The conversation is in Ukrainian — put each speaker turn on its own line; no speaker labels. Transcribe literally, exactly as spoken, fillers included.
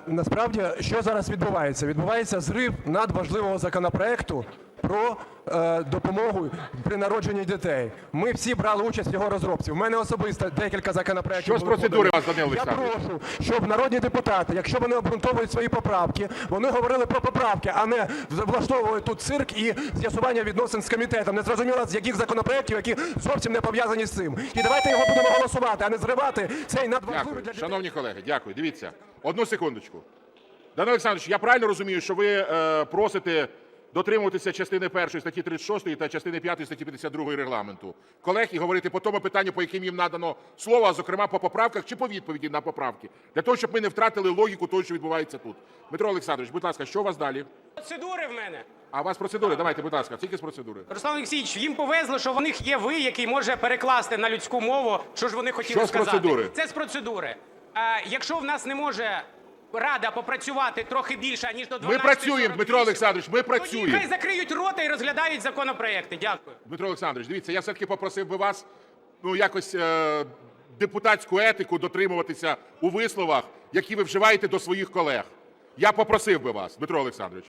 Насправді, що зараз відбувається? Відбувається зрив надважливого законопроекту про е, допомогу при народженні дітей. Ми всі брали участь в його розробці. У мене особисто декілька законопроектів.
Що з процедури вас, Данило
Я
Олександрович?
прошу, щоб народні депутати, якщо вони обґрунтовують свої поправки, вони говорили про поправки, а не влаштовують тут цирк і з'ясування відносин з комітетом. Не зрозуміло, з яких законопроектів, які зовсім не пов'язані з цим. І давайте його будемо голосувати, а не зривати цей надважливий
Дякую.
для дітей.
Шановні колеги, дякую. Дивіться, одну секундочку. Данило Олександрович, я правильно розумію, що ви е, просите дотримуватися частини першої статті тридцять шостої та частини п'ятої статті п'ятдесят другої Регламенту колег і говорити по тому питанню, по яким їм надано слово, а зокрема по поправках чи по відповіді на поправки, для того, щоб ми не втратили логіку того, що відбувається тут. Дмитро Олександрович, будь ласка, що у вас далі?
Процедури в мене.
А у вас процедури? Давайте, будь ласка, тільки з процедури.
Руслан Олексійович, їм повезло, що в них є ви, який може перекласти на людську мову, що ж вони хотіли
Що з
сказати.
процедури?
Це з процедури. А, якщо в нас не може Рада попрацювати трохи більше, ніж до дванадцятої
Ми працюємо, Дмитро Олександрович, ми
тоді
працюємо.
хай закриють рота і розглядають законопроекти. Дякую.
Дмитро Олександрович, дивіться, я все-таки попросив би вас ну, якось е, депутатську етику дотримуватися у висловах, які ви вживаєте до своїх колег. Я попросив би вас, Дмитро Олександрович.